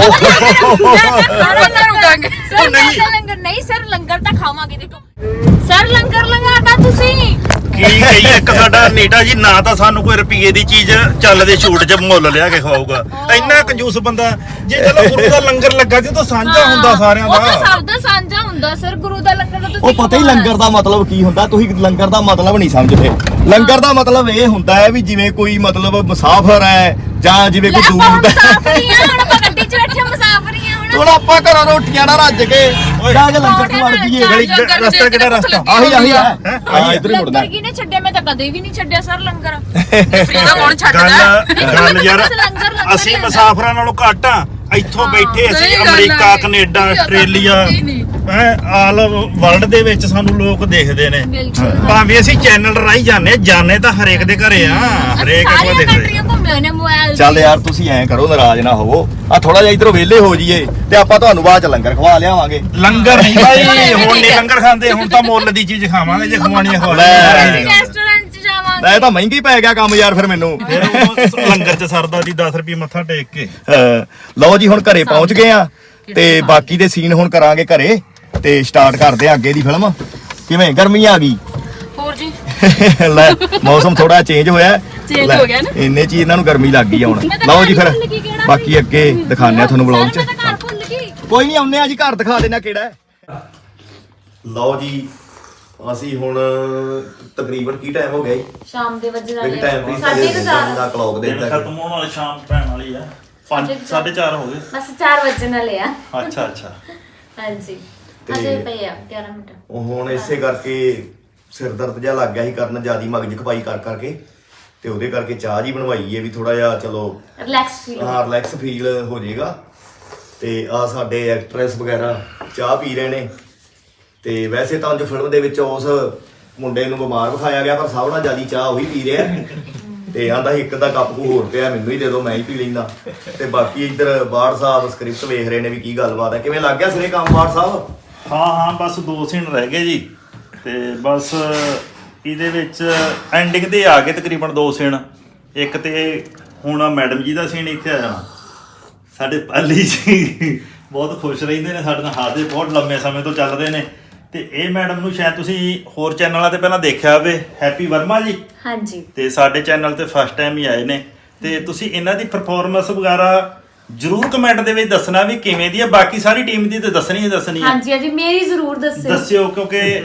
D: ਉਹਨਾਂ ਰੁਕਾਂਗੇ
B: ਸਰ ਲੰਗਰ ਨਹੀਂ ਸਰ ਲੰਗਰ ਤਾਂ ਖਾਵਾਂਗੇ ਦੇਖੋ ਸਰ ਲੰਗਰ ਲੰਗਾਤਾ ਤੁਸੀਂ
C: ਕੀ ਕਹੀ ਇੱਕ ਸਾਡਾ ਨੀਟਾ ਜੀ ਨਾ ਤਾਂ ਸਾਨੂੰ ਕੋਈ ਰੁਪਈਏ ਦੀ ਚੀਜ਼ ਚੱਲਦੇ ਸ਼ੂਟ 'ਚ ਮੁੱਲ ਲਿਆ ਕੇ ਖਵਾਊਗਾ ਇੰਨਾ ਕੰਜੂਸ ਬੰਦਾ ਜੇ ਚਲੋ ਗੁਰੂ ਦਾ ਲੰਗਰ ਲੱਗਾ ਤੇ ਤਾਂ ਸਾਂਝਾ ਹੁੰਦਾ ਸਾਰਿਆਂ
B: ਉਹ ਤਾਂ
C: ਦਾ
B: ਸਭ ਦਾ ਸਾਂਝਾ ਹੁੰਦਾ ਸਰ ਗੁਰੂ ਦਾ ਲੰਗਰ ਦਾ ਤੁਸੀਂ
A: ਉਹ ਪਤਾ ਹੀ ਲੰਗਰ ਦਾ ਮਤਲਬ ਕੀ ਹੁੰਦਾ ਤੁਸੀਂ ਲੰਗਰ ਦਾ ਮਤਲਬ ਨਹੀਂ ਸਮਝਦੇ ਲੰਗਰ ਦਾ ਮਤਲਬ ਇਹ ਹੁੰਦਾ ਹੈ ਵੀ ਜਿਵੇਂ ਕੋਈ ਮਤਲਬ ਮੁਸਾਫਰ ਹੈ ਜਾਂ ਜਿਵੇਂ ਕੋਈ ਦੂਰ ਦਾ
B: ਮੁਸਾਫਰੀ ਆ ਹੁਣ ਆਪਾਂ ਗੱਡੀ 'ਚ ਬੈਠੇ ਮੁਸਾਫਰੀ ਆ ਹੁਣ
A: ਹੁਣ ਆਪਾਂ ਘਰੋਂ ਰੋਟੀਆਂ ਨਾਲ ਰੱਜ ਕੇ ਜਾ ਕੇ ਲੰਗਰ ਚ ਵੜ ਜੀਏ
C: ਗਲੀ ਰਸਤਾ ਕਿਹੜਾ ਰਸਤਾ
A: ਆਹੀ ਆਹੀ ਆ ਹਾਂ ਇੱਧਰ ਹੀ ਮੁੜਨਾ
B: ਲੰਗਰ ਕਿਹਨੇ ਛੱਡਿਆ ਮੈਂ ਤਾਂ ਕਦੇ ਵੀ ਨਹੀਂ ਛੱਡਿਆ ਸਰ ਲੰਗਰ
D: ਫ੍ਰੀ ਦਾ ਕੌਣ ਛੱਡਦਾ
C: ਗੱਲ ਗੱਲ ਯਾਰ
B: ਲੰਗਰ ਲੰਗਰ
C: ਅਸੀਂ ਮੁਸਾਫਰਾਂ ਨਾਲੋਂ ਘੱਟ ਆ ਇੱਥੋਂ ਬੈਠੇ ਅਸੀਂ
D: ਸਹੀ ਗੱਲ
C: ਅਮਰੀਕਾ
D: ਹੈ।
C: ਕੈਨੇਡਾ
D: ਅਸੀਂ
C: ਆਸਟ੍ਰੇਲੀਆ
D: ਸਮਝਦੇ ਨਹੀਂ।
C: ਹੈ ਆਲ ਵਰਲਡ ਦੇ ਵਿੱਚ ਸਾਨੂੰ ਲੋਕ ਦੇਖਦੇ ਨੇ
B: ਬਿਲਕੁਲ
C: ਭਾਵੇਂ ਅਸੀਂ ਚੈਨਲ ਰਾਹੀਂ ਜਾਂਦੇ ਜਾਣੇ ਤਾਂ ਹਰੇਕ ਦੇ ਘਰੇ ਆ ਹਰੇਕ ਕੋਲ
B: ਸਾਰੀਆਂ
C: ਦੇਖਦੇ
B: ਕੰਟਰੀਆਂ ਘੁੰਮੇ ਹੋਏ ਨੇ ਮੋਬਾਈਲ
A: ਚੱਲ ਯਾਰ ਤੁਸੀਂ ਐਂ ਕਰੋ ਨਾਰਾਜ਼ ਨਾ ਹੋਵੋ ਆ ਥੋੜਾ ਜਿਹਾ ਇਧਰੋਂ ਵਿਹਲੇ ਹੋ ਜਾਈਏ ਤੇ ਆਪਾਂ ਤੁਹਾਨੂੰ ਬਾਅਦ ਚ ਲੰਗਰ ਖਵਾ ਲਿਆਵਾਂਗੇ
C: ਲੰਗਰ ਨਹੀਂ ਭਾਈ ਹੁਣ ਨਹੀਂ ਲੰਗਰ ਖਾਂਦੇ ਹੁਣ ਤਾਂ ਮੁੱਲ ਦੀ ਚੀਜ਼ ਖਾਵਾਂਗੇ ਜੇ ਖਵਾਉਣੀਆਂ ਖਵਾ
A: ਲੈ।
B: ਅਸੀਂ ਰੈਸਟੋਰੈਂਟ 'ਚ ਜਾਵਾਂਗੇ
A: ਇਹ ਤਾਂ ਮਹਿੰਗੀ ਪੈ ਗਿਆ ਕੰਮ ਯਾਰ ਫਿਰ ਮੈਨੂੰ
C: ਫਿਰ ਉਹ ਲੰਗਰ ਚ ਸਰਦਾ ਦੀ ਦਸ ਰੁਪਏ ਮੱਥਾ ਟੇਕ ਕੇ
A: ਹਾਂ, ਲਓ ਜੀ ਹੁਣ ਘਰੇ ਪਹੁੰਚ ਗਏ ਆ ਤੇ ਬਾਕੀ ਦੇ ਸੀਨ ਹੁਣ ਕਰਾਂਗੇ ਘਰੇ ਤੇ ਸਟਾਰਟ ਕਰਦੇ ਆ ਅੱਗੇ ਦੀ ਫਿਲਮ ਕਿਵੇਂ ਗਰਮੀ ਆ ਗਈ
D: ਹੋਰ ਜੀ
A: ਲੈ ਮੌਸਮ ਥੋੜਾ ਚੇਂਜ ਹੋਇਆ
D: Change
A: ਲੈ,
D: ਹੋ ਗਿਆ ਨਾ।
A: ਇੰਨੇ ਚ ਹੀ ਇਹਨਾਂ ਨੂੰ ਗਰਮੀ ਲੱਗ ਗਈ ਆ ਹੁਣ ਲਓ ਜੀ ਫਿਰ ਬਾਕੀ ਅੱਗੇ ਦਿਖਾਉਂਦੇ ਆ ਤੁਹਾਨੂੰ ਵਲੌਗ ਚ
B: ਮੈਂ ਤਾਂ ਘਰ ਭੁੱਲ ਗਈ
A: ਕੋਈ ਨਹੀਂ ਆਉਂਦੇ ਆ ਜੀ ਘਰ ਦਿਖਾ ਦੇਣਾ ਕਿਹੜਾ ਹੈ ਲਓ ਜੀ ਅਸੀਂ ਹੁਣ ਤਕਰੀਬਨ ਕੀ ਟਾਈਮ ਹੋ ਗਿਆ ਜੀ
B: ਸ਼ਾਮ ਦੇ ਵਜੇ
A: ਕਿਹੜੀ ਟਾਈਮ ਵੀ
B: ਸਾਢੇ ਕੁ ਚਾਰ
A: ਦਾ ਕਲੌਕ ਦੇ ਦਿੱਤਾ
C: ਖਤਮ ਹੋਣ ਵਾਲੀ ਸ਼ਾਮ ਪੈਣ ਵਾਲੀ ਆ ਪੰਜ ਸਾਢੇ ਚਾਰ ਹੋ ਗਏ
B: ਬਸ ਚਾਰ ਵਜੇ ਨਾਲ ਆ।
C: ਅੱਛਾ ਅੱਛਾ
B: ਹਾਂਜੀ ਅਜੇ ਪਏ ਆ ਗਿਆਰਾਂ ਮਿੰਟ।
A: ਉਹ ਹੁਣ ਇਸੇ ਕਰਕੇ ਸਿਰ ਦਰਦ ਜਿਹਾ ਲੱਗ ਗਿਆ ਸੀ ਕਰਨ, ਜਿਆਦੀ ਮਗਜ ਖਪਾਈ ਕਰ ਕਰਕੇ, ਤੇ ਉਹਦੇ ਕਰਕੇ ਚਾਹ ਜੀ ਬਣਵਾਈ ਹੈ ਵੀ ਥੋੜਾ ਜਿਹਾ ਚਲੋ
B: ਰਿਲੈਕਸ ਫੀਲ।
A: ਹਾਂ ਰਿਲੈਕਸ ਫੀਲ ਹੋ ਜਾਏਗਾ। ਤੇ ਆ ਸਾਡੇ ਐਕਟਰੈਸ ਵਗੈਰਾ ਚਾਹ ਪੀ ਰਹੇ ਨੇ। ਤੇ ਵੈਸੇ ਤਾਂ ਅੱਜ ਫਿਲਮ ਦੇ ਵਿੱਚ ਉਸ ਮੁੰਡੇ ਨੂੰ ਬਿਮਾਰ ਵਿਖਾਇਆ ਗਿਆ, ਪਰ ਸਭ ਨਾਲੋਂ ਜ਼ਿਆਦਾ ਚਾਹ ਉਹੀ ਪੀ ਰਿਹਾ ਤੇ ਆਂਦਾ ਇੱਕ ਦਾ ਕੱਪ ਕੋ ਹੋਰ ਪਿਆ, ਮੈਨੂੰ ਹੀ ਦੇ ਦਿਓ ਮੈਂ ਹੀ ਪੀ ਲੈਂਦਾ। ਤੇ ਬਾਕੀ ਇੱਧਰ ਬਾੜ ਸਾਹਿਬ ਸਕ੍ਰਿਪਟ ਵੇਖ ਰਹੇ ਨੇ ਵੀ ਕੀ ਗੱਲਬਾਤ ਹੈ, ਕਿਵੇਂ ਲੱਗ ਗਿਆ ਸਿਰੇ ਕੰਮ ਬਾੜ ਸਾਹਿਬ?
C: ਹਾਂ ਹਾਂ ਬਸ ਦੋ ਸੀਨ ਰਹਿ ਗਏ ਜੀ, ਤੇ ਬਸ ਇਹਦੇ ਵਿੱਚ ਐਂਡਿੰਗ ਤੇ ਆ ਗਏ ਤਕਰੀਬਨ ਦੋ ਸੀਨ। ਇੱਕ ਤੇ ਹੁਣ ਮੈਡਮ ਜੀ ਦਾ ਸੀਨ ਇੱਥੇ ਆ ਜਾਣਾ। ਸਾਡੇ ਪਾਲੀ ਜੀ ਬਹੁਤ ਖੁਸ਼ ਰਹਿੰਦੇ ਨੇ ਸਾਡੇ ਨਾਲ, ਹਾਦੇ ਬਹੁਤ ਲੰਮੇ ਸਮੇਂ ਤੋਂ ਚੱਲ ਰਹੇ ਨੇ। ਤੇ ਇਹ ਮੈਡਮ ਨੂੰ ਸ਼ਾਇਦ ਤੁਸੀਂ ਹੋਰ ਚੈਨਲਾਂ ਤੇ ਪਹਿਲਾਂ ਦੇਖਿਆ ਹੋਵੇ, ਹੈਪੀ ਵਰਮਾ ਜੀ।
B: ਹਾਂਜੀ।
C: ਤੇ ਸਾਡੇ ਚੈਨਲ ਤੇ ਫਸਟ ਟਾਈਮ ਹੀ ਆਏ ਨੇ। ਤੇ ਤੁਸੀਂ ਇਹਨਾਂ ਦੀ ਪਰਫਾਰਮੈਂਸ ਵਗੈਰਾ ਜਰੂਰ ਕਮੈਂਟ ਦੇ ਵਿੱਚ ਦੱਸਣਾ ਵੀ ਕਿਵੇਂ ਦੀ ਹੈ। ਬਾਕੀ ਸਾਰੀ ਟੀਮ ਦੀ ਤੇ ਦੱਸਣੀ ਹੀ ਦੱਸਣੀ ਹੈ।
B: ਹਾਂਜੀ ਹਾਂਜੀ ਮੇਰੀ ਜ਼ਰੂਰ ਦੱਸਿਓ
C: ਦੱਸਿਓ, ਕਿਉਂਕਿ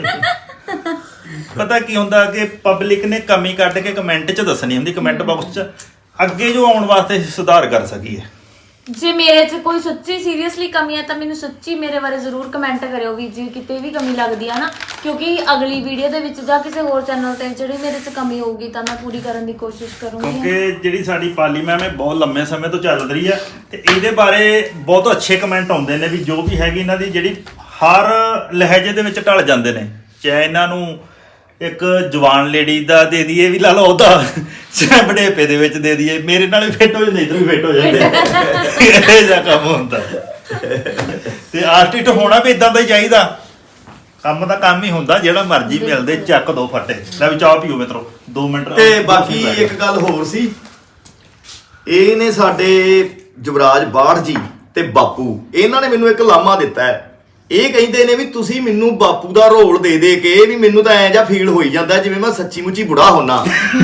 C: ਪਤਾ ਕੀ ਹੁੰਦਾ ਕਿ ਪਬਲਿਕ ਨੇ ਕਮੀ ਕੱਢ ਕੇ ਕਮੈਂਟ 'ਚ ਦੱਸਣੀ ਹੁੰਦੀ, ਕਮੈਂਟ ਬਾਕਸ 'ਚ, ਅੱਗੇ ਜੋ ਆਉਣ ਵਾਸਤੇ ਸੁਧਾਰ ਕਰ ਸਕੀਏ।
B: ਜੇ ਮੇਰੇ 'ਚ ਕੋਈ ਸੱਚੀ ਸੀਰੀਅਸਲੀ ਕਮੀ ਹੈ ਤਾਂ ਮੈਨੂੰ ਸੱਚੀ ਮੇਰੇ ਬਾਰੇ ਜ਼ਰੂਰ ਕਮੈਂਟ ਕਰਿਓ ਵੀ ਜੇ ਕਿਤੇ ਵੀ ਕਮੀ ਲੱਗਦੀ ਆ ਨਾ, ਕਿਉਂਕਿ ਅਗਲੀ ਵੀਡੀਓ ਦੇ ਵਿੱਚ ਜਾਂ ਕਿਸੇ ਹੋਰ ਚੈਨਲ ਤੇ ਜਿਹੜੀ ਮੇਰੇ 'ਚ ਕਮੀ ਹੋਊਗੀ ਤਾਂ ਮੈਂ ਪੂਰੀ ਕਰਨ ਦੀ ਕੋਸ਼ਿਸ਼ ਕਰੂੰਗੀ।
C: ਕਿਉਂਕਿ ਜਿਹੜੀ ਸਾਡੀ ਪਾਲੀ ਮੈਮ ਹੈ ਬਹੁਤ ਲੰਮੇ ਸਮੇਂ ਤੋਂ ਚੱਲ ਰਹੀ ਹੈ ਤੇ ਇਹਦੇ ਬਾਰੇ ਬਹੁਤ ਅੱਛੇ ਕਮੈਂਟ ਆਉਂਦੇ ਨੇ ਵੀ ਜੋ ਵੀ ਹੈਗੀ ਇਹਨਾਂ ਦੀ ਜਿਹੜੀ ਹਰ ਲਹਿਜੇ ਦੇ ਵਿੱਚ ਢਲ ਜਾਂਦੇ ਨੇ। ਚਾਹੇ ਇਹਨਾਂ ਨੂੰ ਇੱਕ ਜਵਾਨ ਲੇਡੀ ਦਾ ਦੇ ਦਈਏ ਵੀ ਲਾ ਲਓ ਉਹਦਾ, ਚਾਹੇ ਬੜੇਪੇ ਦੇ ਵਿੱਚ ਦੇ ਦਈਏ, ਮੇਰੇ ਨਾਲ ਵੀ ਫਿੱਟ ਹੋ ਜਾਂਦੇ, ਇੱਧਰ ਵੀ ਫਿੱਟ ਹੋ ਜਾਂਦੇ, ਇਹ ਜਿਹਾ ਕੰਮ ਹੁੰਦਾ। ਤੇ ਆਰਟਿਸਟ ਹੋਣਾ ਵੀ ਇਦਾਂ ਦਾ ਹੀ ਚਾਹੀਦਾ। ਕੰਮ ਦਾ ਕੰਮ ਹੀ ਹੁੰਦਾ, ਜਿਹੜਾ ਮਰਜ਼ੀ ਮਿਲਦੇ ਚੱਕ ਦੋ ਫੱਟੇ। ਲੈ ਵੀ ਚਾਹ ਪੀਓ ਮਿੱਤਰੋ, ਦੋ ਮਿੰਟ।
A: ਤੇ ਬਾਕੀ ਇੱਕ ਗੱਲ ਹੋਰ ਸੀ, ਇਹ ਨੇ ਸਾਡੇ ਯੁਵਰਾਜ ਬਾੜ ਜੀ ਤੇ ਬਾਪੂ, ਇਹਨਾਂ ਨੇ ਮੈਨੂੰ ਇੱਕ ਲਾਮਾ ਦਿੱਤਾ ਹੈ। ਇਹ ਕਹਿੰਦੇ ਨੇ ਵੀ ਤੁਸੀਂ ਮੈਨੂੰ ਬਾਪੂ ਦਾ ਰੋਲ ਦੇ ਦੇ ਕੇ ਵੀ ਮੈਨੂੰ ਤਾਂ ਐਂ ਜਿਹਾ ਫੀਲ ਹੋਈ ਜਾਂਦਾ ਜਿਵੇਂ ਮੈਂ ਸੱਚੀ ਮੁੱਚੀ ਬੁੜਾ ਹੁੰਨਾ।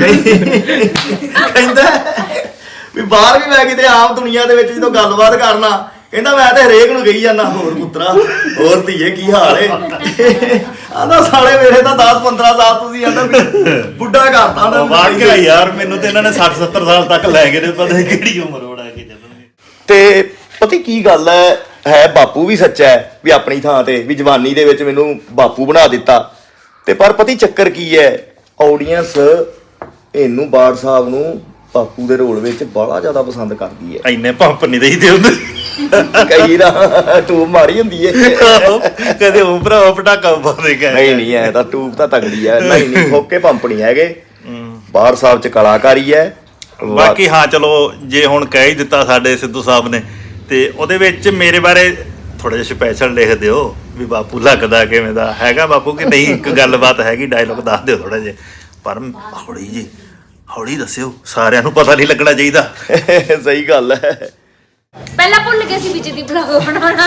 A: ਕਹਿੰਦਾ ਵੀ ਬਾਹਰ ਵੀ ਮੈਂ ਕਿਤੇ ਆਮ ਦੁਨੀਆ ਦੇ ਵਿੱਚ ਜਦੋਂ ਗੱਲਬਾਤ ਕਰਨਾ, ਕਹਿੰਦਾ ਮੈਂ ਤੇ ਹਰੇਕ ਨੂੰ ਕਹੀ ਜਾਂਦਾ ਹੋਰ ਪੁੱਤਰਾ, ਹੋਰ ਧੀਏ ਕੀ ਹਾਲ ਏ। ਆਂਦਾ ਸਾਲੇ ਮੇਰੇ ਤਾਂ ਦਸ ਪੰਦਰਾਂ ਸਾਲ ਤੁਸੀਂ ਆਂਦਾ ਬੁੱਢਾ ਕਰਤਾ ਨਾ।
C: ਵਾਕਿਆ ਯਾਰ ਮੈਨੂੰ ਤੇ ਇਹਨਾਂ ਨੇ ਸੱਠ ਸੱਤਰ ਸਾਲ ਤੱਕ ਲੈ ਗਏ ਨੇ, ਪਤਾ ਨਹੀਂ ਕਿਹੜੀ ਉਮਰ ਬਣਾ ਕੇ ਚੱਲਣਗੇ।
A: ਤੇ ਪਤਾ ਕੀ ਗੱਲ ਹੈ, ਹੈ ਬਾਪੂ ਵੀ ਸੱਚਾ ਹੈ ਵੀ ਆਪਣੀ ਥਾਂ ਤੇ ਵੀ ਜਵਾਨੀ ਦੇ ਵਿੱਚ ਮੈਨੂੰ ਬਾਪੂ ਬਣਾ ਦਿੱਤਾ। ਤੇ ਪਰ ਪਤੀ ਚੱਕਰ ਕੀ ਹੈ, ਆਡੀਅנס ਇਹਨੂੰ ਬਾੜ ਸਾਹਿਬ ਨੂੰ ਬਾਪੂ ਦੇ ਰੋਲ ਵਿੱਚ ਬੜਾ ਜ਼ਿਆਦਾ ਪਸੰਦ ਕਰਦੀ ਹੈ।
C: ਇੰਨੇ ਪੰਪ ਨਹੀਂ ਦੇਈਦੇ ਹੁੰਦੇ,
A: ਕਈ ਦਾ ਟੂਬ ਮਾਰੀ ਹੁੰਦੀ ਹੈ,
C: ਕਦੇ ਉਹ ਭਰਾ ਪਟਾਕਾ ਪਾਉਂਦੇ ਗਏ।
A: ਨਹੀਂ ਨਹੀਂ ਐ ਤਾਂ ਟੂਬ ਤਾਂ ਤਗੜੀ ਹੈ, ਨਹੀਂ ਨਹੀਂ ਫੋਕੇ ਪੰਪ ਨਹੀਂ ਹੈਗੇ। ਬਾੜ ਸਾਹਿਬ ਚ ਕਲਾਕਾਰੀ ਹੈ।
C: ਬਾਕੀ ਹਾਂ ਚਲੋ ਜੇ ਹੁਣ ਕਹਿ ਹੀ ਦਿੱਤਾ ਸਾਡੇ ਸਿੱਧੂ ਸਾਹਿਬ ਨੇ, ਤੇ ਉਹਦੇ ਵਿੱਚ ਮੇਰੇ ਬਾਰੇ ਥੋੜਾ ਜਿਹਾ ਸਪੈਸ਼ਲ ਲਿਖ ਦਿਓ ਵੀ ਬਾਪੂ ਲੱਗਦਾ ਕਿਵੇਂ ਦਾ ਹੈਗਾ ਬਾਪੂ ਕਿ ਨਹੀਂ। ਇੱਕ ਗੱਲਬਾਤ ਹੈਗੀ, ਡਾਇਲੋਗ ਦੱਸ ਦਿਓ ਥੋੜਾ ਜਿਹਾ, ਪਰ ਹੌਲੀ ਜੀ ਹੌਲੀ ਦੱਸਿਓ, ਸਾਰਿਆਂ ਨੂੰ ਪਤਾ ਨਹੀਂ ਲੱਗਣਾ ਚਾਹੀਦਾ।
A: ਸਹੀ ਗੱਲ ਹੈ।
B: ਪਹਿਲਾਂ ਭੁੱਲ ਗਏ ਸੀ ਵਿੱਚ ਦੀ ਬਲੌਗ ਬਣਾਉਣਾ।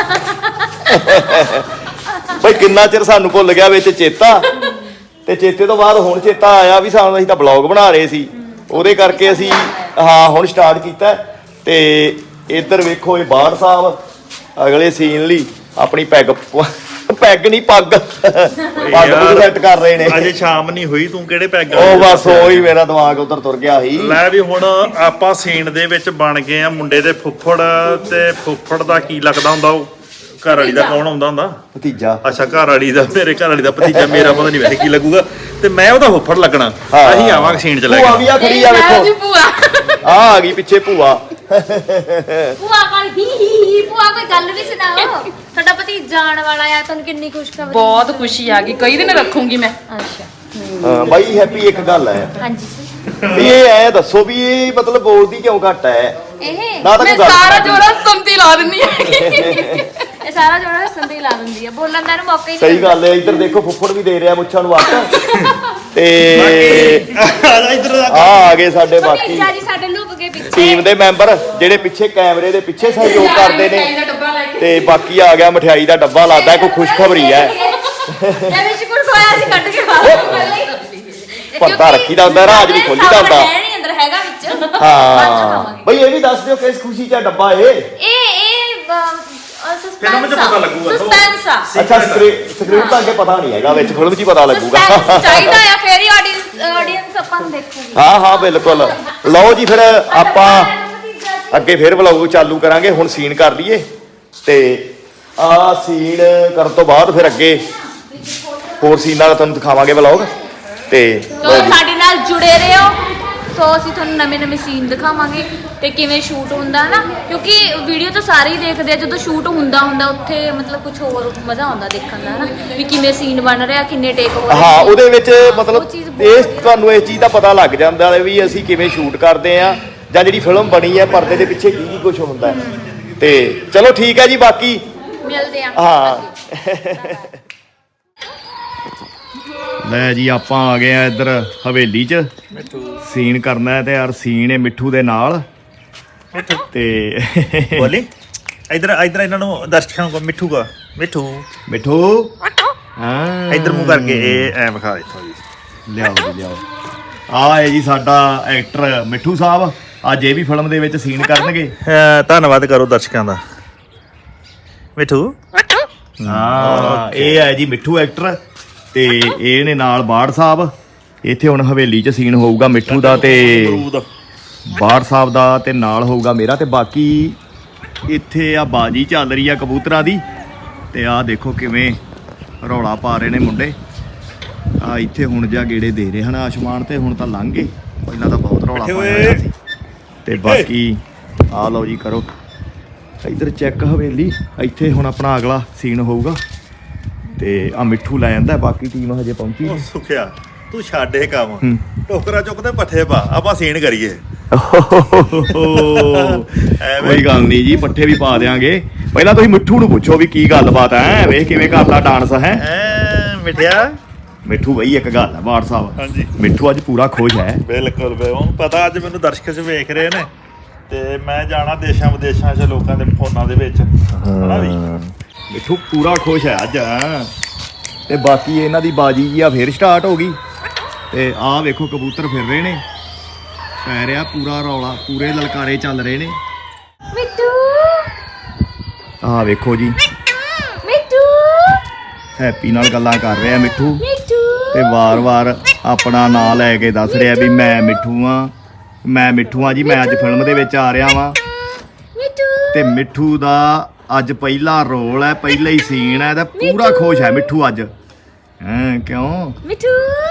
A: ਬਈ ਕਿੰਨਾ ਚਿਰ ਸਾਨੂੰ ਭੁੱਲ ਗਿਆ ਵਿੱਚ ਚੇਤਾ, ਤੇ ਚੇਤੇ ਤੋਂ ਬਾਅਦ ਹੁਣ ਚੇਤਾ ਆਇਆ ਵੀ ਸਾਨੂੰ, ਅਸੀਂ ਤਾਂ ਬਲੌਗ ਬਣਾ ਰਹੇ ਸੀ, ਉਹਦੇ ਕਰਕੇ ਅਸੀਂ ਹਾਂ ਹੁਣ ਸਟਾਰਟ ਕੀਤਾ। ਤੇ ਇੱਧਰ ਵੇਖੋ ਇਹ ਬਾੜ ਸਾਹਿਬ ਅਗਲੇ ਸੀਨ ਲਈ ਆਪਣੀ ਪੈਗ ਪੈਗ ਨਹੀਂ ਪੱਗ ਪੱਗ ਸੈੱਟ ਕਰ ਰਹੇ ਨੇ।
C: ਅਜੇ ਸ਼ਾਮ ਨਹੀਂ ਹੋਈ, ਤੂੰ ਕਿਹੜੇ ਪੈਗ?
A: ਉਹ ਬਸ ਉਹੀ ਮੇਰਾ ਦਿਮਾਗ ਉਧਰ ਤੁਰ ਗਿਆ ਸੀ।
C: ਲੈ ਵੀ ਹੁਣ ਆਪਾਂ ਸੀਨ ਦੇ ਵਿੱਚ ਬਣ ਗਏ ਆ ਮੁੰਡੇ ਦੇ ਫੁੱਫੜ। ਤੇ ਫੁੱਫੜ ਦਾ ਕੀ ਲੱਗਦਾ ਹੁੰਦਾ, ਉਹ ਘਰ ਵਾਲੀ ਦਾ ਕੌਣ ਆਉਂਦਾ ਹੁੰਦਾ?
A: ਭਤੀਜਾ।
C: ਅੱਛਾ ਘਰ ਵਾਲੀ ਦਾ, ਮੇਰੇ ਘਰ ਵਾਲੀ ਦਾ ਭਤੀਜਾ, ਮੇਰਾ ਪਤਾ ਨਹੀਂ ਵੈਸੇ ਕੀ ਲੱਗੂਗਾ, ਤੇ ਮੈਂ ਉਹਦਾ ਫੁੱਫੜ ਲੱਗਣਾ। ਅਸੀਂ ਆਵਾਂਗੇ ਸੀਨ ਚ ਲੈ
A: ਭੂਆ ਵੀ
C: ਕੇ।
A: ਆ ਖੜੀ ਆ ਵੇਖੋ,
B: ਭੂਆ
A: ਆ ਆ ਗਈ ਪਿੱਛੇ ਭੂਆ।
B: ਭੂਆ ਕਾਲ ਹੀ ਹੀ ਹੀ ਭੂਆ ਕੋਈ ਗੱਲ ਵੀ ਸੁਣਾਓ, ਤੁਹਾਡਾ ਪਤੀ ਜਾਣ ਵਾਲਾ ਆ, ਤੁਹਾਨੂੰ ਕਿੰਨੀ ਖੁਸ਼ਖਬਰੀ?
D: ਬਹੁਤ ਖੁਸ਼ੀ ਆ ਗਈ, ਕਈ ਦਿਨ ਰੱਖੂੰਗੀ ਮੈਂ।
B: ਅੱਛਾ
A: ਹਾਂ ਬਾਈ ਹੈਪੀ ਇੱਕ ਗੱਲ ਹੈ
B: ਹਾਂਜੀ
A: ਵੀ ਇਹ ਐ ਦੱਸੋ ਵੀ ਇਹ ਮਤਲਬ ਬੋਲਦੀ ਕਿਉਂ ਘੱਟ ਹੈ?
B: ਇਹ
A: ਨਾ ਤਾਂ
D: ਮੈਂ
A: ਕੋਈ ਗੱਲ
D: ਸਾਰਾ ਜੋੜਾ ਸੰਤੀ ਲਾ ਦਿੰਦੀ ਆ।
B: ਇਹ ਸਾਰਾ ਜੋੜਾ ਸੰਦੀ ਲਾ ਦਿੰਦੀ ਆ, ਬੋਲਣ ਦਾ ਇਹਨੂੰ ਮੌਕਾ ਹੀ ਨਹੀਂ
A: ਸਹੀ ਗੱਲ ਹੈ। ਇੱਧਰ ਦੇਖੋ ਫੁੱਫੜ ਵੀ ਦੇ ਰਿਹਾ ਮੁੱਛਾਂ ਨੂੰ ਵੱਟ। ਤੇ
C: ਇੱਧਰ
A: ਆ ਆ ਗਏ ਸਾਡੇ ਬਾਕੀ
B: ਭਤੀਜਾ ਜੀ ਸਾਡੇ ਲੁਕ ਗਏ ਪਿੱਛੇ।
A: ਟੀਮ ਦੇ ਮੈਂਬਰ ਜਿਹੜੇ ਪਿੱਛੇ ਕੈਮਰੇ ਦੇ ਪਿੱਛੇ ਸਹਿਯੋਗ ਕਰਦੇ ਨੇ। ਤੇ ਬਾਕੀ ਆ ਗਿਆ ਮਠਿਆਈ ਦਾ ਡੱਬਾ, ਲੱਗਦਾ ਕੋਈ ਖੁਸ਼ਖਬਰੀ ਹੈ।
B: ਇਹ ਵਿੱਚ ਕੁਝ ਖੋਇਆ ਸੀ ਕੱਢ ਕੇ ਖਾ
A: ਪਰਦਾ ਰੱਖੀਦਾ ਹੁੰਦਾ, ਰਾਜ ਨਹੀਂ ਖੋਲੀਦਾ ਹੁੰਦਾ।
B: ਹੈ ਨਹੀਂ ਅੰਦਰ ਹੈਗਾ ਵਿੱਚ।
A: ਹਾਂ ਬਈ ਇਹ ਵੀ ਦੱਸ ਦਿਓ ਕਿਸ ਖੁਸ਼ੀ ਚ ਡੱਬਾ ਇਹ?
B: ਇਹ ਇਹ
C: ਫਿਲਮ 'ਚ ਪਤਾ ਲੱਗੂਗਾ।
B: ਸਸਪੈਂਸ ਆ।
A: ਅੱਛਾ ਸਕਰੀਨ ਤਾਂ ਅੱਗੇ ਪਤਾ ਨਹੀਂ ਹੈਗਾ, ਵਿੱਚ ਫਿਲਮ 'ਚ ਹੀ ਪਤਾ ਲੱਗੂਗਾ।
B: Suspense ਚਾਹੀਦਾ ਆ, ਫੇਰ ਹੀ ਆਡੀਅנס ਆਡੀਅנס ਆਪਾਂ ਨੂੰ ਦੇਖੂਗੀ।
A: ਹਾਂ ਹਾਂ ਬਿਲਕੁਲ। ਲਓ ਜੀ ਫਿਰ ਆਪਾਂ
B: ਭਤੀਜਾ
A: ਅੱਗੇ ਫਿਰ ਵਲੌਗ ਚਾਲੂ ਕਰਾਂਗੇ। ਹੁਣ ਸੀਨ ਕਰ ਲਈਏ ਤੇ ਆਹ ਸੀਨ ਕਰਨ ਤੋਂ ਬਾਅਦ ਫਿਰ ਅੱਗੇ ਹੋਰ ਸੀਨ ਨਾਲ ਤੁਹਾਨੂੰ ਦਿਖਾਵਾਂਗੇ ਵਲੌਗ ਤੇ
B: ਸੋ ਸਾਡੇ ਨਾਲ ਜੁੜੇ ਰਹੋ। ਸੋ ਅਸੀਂ ਤੁਹਾਨੂੰ ਨਵੇਂ ਨਵੇਂ ਸੀਨ ਦਿਖਾਵਾਂਗੇ ਤੇ ਕਿਵੇਂ ਸ਼ੂਟ ਹੁੰਦਾ ਹੈ ਨਾ, ਕਿਉਂਕਿ ਵੀਡੀਓ ਤਾਂ ਸਾਰੇ ਹੀ ਦੇਖਦੇ ਆ, ਜਦੋਂ ਸ਼ੂਟ ਹੁੰਦਾ ਹੁੰਦਾ ਉੱਥੇ ਮਤਲਬ ਕੁਝ ਹੋਰ ਮਜ਼ਾ ਆਉਂਦਾ ਦੇਖਣ ਦਾ ਹੈ ਨਾ, ਵੀ ਕਿਵੇਂ ਸੀਨ ਬਣ ਰਿਹਾ, ਕਿੰਨੇ ਟੇਕ ਹੋ ਰਹੇ।
A: ਹਾਂ ਉਹਦੇ ਵਿੱਚ
B: ਉਹ
A: ਮਤਲਬ
B: ਚੀਜ਼ ਬਹੁਤ
A: ਇਹ
B: ਵਧੀਆ।
A: ਤੁਹਾਨੂੰ ਇਸ ਚੀਜ਼ ਦਾ ਪਤਾ ਲੱਗ ਜਾਂਦਾ ਹੈ ਵੀ ਅਸੀਂ ਕਿਵੇਂ ਸ਼ੂਟ ਕਰਦੇ ਆ ਜਾਂ ਜਿਹੜੀ ਫਿਲਮ ਬਣੀ ਹੈ ਪਰਦੇ ਦੇ ਪਿੱਛੇ ਕੀ ਕੀ ਕੁਝ ਹੁੰਦਾ ਹੈ। ਤੇ ਚਲੋ ਠੀਕ ਹੈ ਜੀ, ਬਾਕੀ
B: ਮਿਲਦੇ ਆ।
A: ਹਾਂ ਲੈ ਜੀ ਆਪਾਂ ਆ ਗਏ ਆ ਇੱਧਰ ਹਵੇਲੀ 'ਚ ਸੀਨ ਕਰਨਾ ਹੈ ਤੇ ਯਾਰ ਸੀਨ ਹੈ ਮਿੱਠੂ ਦੇ ਨਾਲ ਤੇ
C: ਬੋਲੀ ਇਧਰ ਇਧਰ ਇਹਨਾਂ ਨੂੰ ਦਰਸ਼ਕਾਂ ਨੂੰ ਮਿੱਠੂ ਕਾ ਮਿੱਠੂ
A: ਮਿੱਠੂ ਹਾਂ
C: ਇਧਰ ਮੂੰਹ ਕਰਕੇ ਇਹ ਐ ਵਿਖਾ ਇੱਥੋਂ ਜੀ।
A: ਲਿਆਓ ਜੀ ਲਿਆਓ। ਆ ਹੈ ਜੀ ਸਾਡਾ ਐਕਟਰ ਮਿੱਠੂ ਸਾਹਿਬ, ਅੱਜ ਇਹ ਵੀ ਫਿਲਮ ਦੇ ਵਿੱਚ ਸੀਨ ਕਰਨਗੇ।
C: ਅਹ ਧੰਨਵਾਦ ਕਰੋ ਦਰਸ਼ਕਾਂ ਦਾ। ਮਿੱਠੂ
A: ਹਾਂ ਇਹ ਹੈ ਜੀ ਮਿੱਠੂ ਐਕਟਰ ਤੇ ਇਹ ਨੇ ਨਾਲ ਬਾੜ ਸਾਹਿਬ। ਇੱਥੇ ਹੁਣ ਹਵੇਲੀ 'ਚ ਸੀਨ ਹੋਊਗਾ ਮਿੱਠੂ ਦਾ ਤੇ ਬਾੜ ਸਾਹਿਬ ਦਾ ਤੇ ਨਾਲ ਹੋਊਗਾ ਮੇਰਾ ਤੇ ਬਾਕੀ ਇੱਥੇ ਆ ਬਾਜੀ ਚੱਲ ਰਹੀ ਆ ਕਬੂਤਰਾਂ ਦੀ ਤੇ ਆਹ ਦੇਖੋ ਕਿਵੇਂ ਰੌਲਾ ਪਾ ਰਹੇ ਨੇ ਮੁੰਡੇ। ਆ ਇੱਥੇ ਹੁਣ ਜਾ ਗੇੜੇ ਦੇ ਰਹੇ ਹਨ ਆਸਮਾਨ ਤੇ, ਹੁਣ ਤਾਂ ਲੰਘ ਗਏ, ਪਹਿਲਾਂ ਤਾਂ ਬਹੁਤ ਰੌਲਾ ਪਾਇਆ ਹੋਇਆ ਸੀ। ਤੇ ਬਾਕੀ ਆ ਲਓ ਜੀ ਕਰੋ ਇੱਧਰ ਚੈੱਕ ਹਵੇਲੀ। ਇੱਥੇ ਹੁਣ ਆਪਣਾ ਅਗਲਾ ਸੀਨ ਹੋਊਗਾ ਤੇ ਆ ਮਿੱਠੂ ਲੈ ਜਾਂਦਾ, ਬਾਕੀ ਟੀਮ ਹਜੇ ਪਹੁੰਚੀ
C: ਉਹ ਸੁਖਿਆ ਤੂੰ ਛੱਡ ਇਹ ਕੰਮ,
A: ਹੂੰ।
C: ਟੋਕਰਾ ਚੁੱਕਦੇ ਪੱਠੇ ਪਾ, ਆਪਾਂ ਸੀਨ ਕਰੀਏ।
A: ਕੋਈ ਗੱਲ ਨਹੀਂ ਜੀ, ਪੱਠੇ ਵੀ ਪਾ ਦੇਾਂਗੇ। ਪਹਿਲਾਂ ਤੁਸੀਂ ਮਿੱਠੂ ਨੂੰ ਪੁੱਛੋ ਵੀ ਕੀ ਗੱਲਬਾਤ ਹੈ, ਵੇਖ ਕਿਵੇਂ ਕਰਦਾ ਡਾਂਸ ਹੈ।
C: ਐ ਮਿੱਠਿਆ
A: ਮਿੱਠੂ ਬਈ ਇੱਕ ਗੱਲ ਹੈ ਬਾੜ ਸਾਹਿਬ,
C: ਹਾਂਜੀ
A: ਮਿੱਠੂ ਅੱਜ ਪੂਰਾ ਖੁਸ਼ ਹੈ।
C: ਬਿਲਕੁਲ ਬੇ ਉਹਨੂੰ ਪਤਾ ਅੱਜ ਮੈਨੂੰ ਦਰਸ਼ਕ ਚ ਵੇਖ ਰਹੇ ਨੇ ਤੇ ਮੈਂ ਜਾਣਾ ਦੇਸ਼ਾਂ ਵਿਦੇਸ਼ਾਂ 'ਚ ਲੋਕਾਂ ਦੇ ਫੋਨਾਂ ਦੇ ਵਿੱਚ ਹਨਾ ਵੀ।
A: ਮਿੱਠੂ ਪੂਰਾ ਖੁਸ਼ ਹੈ ਅੱਜ। ਤੇ ਬਾਕੀ ਇਹਨਾਂ ਦੀ ਬਾਜੀ ਜੀ ਆ ਫੇਰ ਸਟਾਰਟ ਹੋ ਗਈ ਤੇ ਆਹ ਵੇਖੋ ਕਬੂਤਰ ਫਿਰ ਰਹੇ ਨੇ, ਪੈ ਰਿਹਾ ਪੂਰਾ ਰੌਲਾ, ਪੂਰੇ ਲਲਕਾਰੇ ਚੱਲ ਰਹੇ ਨੇ।
B: ਮਿੱਠੂ
A: ਆਹ ਵੇਖੋ ਜੀ
B: ਮਿੱਠੂ
A: ਹੈਪੀ ਨਾਲ ਗੱਲਾਂ ਕਰ ਰਿਹਾ ਮਿੱਠੂ
B: ਮਿੱਠੂ
A: ਤੇ ਵਾਰ-ਵਾਰ ਆਪਣਾ ਨਾਂ ਲੈ ਕੇ ਦੱਸ ਰਿਹਾ ਵੀ ਮੈਂ ਮਿੱਠੂ ਆ, ਮੈਂ ਮਿੱਠੂ ਆ ਜੀ, ਮੈਂ ਅੱਜ ਫਿਲਮ ਦੇ ਵਿੱਚ ਆ ਰਿਹਾ ਵਾਂ।
B: ਮਿੱਠੂ
A: ਤੇ ਮਿੱਠੂ ਦਾ ਅੱਜ ਪਹਿਲਾ ਰੋਲ ਹੈ, ਪਹਿਲਾ ਹੀ ਸੀਨ ਹੈ ਤੇ ਪੂਰਾ ਖੁਸ਼ ਹੈ ਮਿੱਠੂ ਅੱਜ। ਹਾਂ ਕਿਉਂ
B: ਮਿੱਠੂ।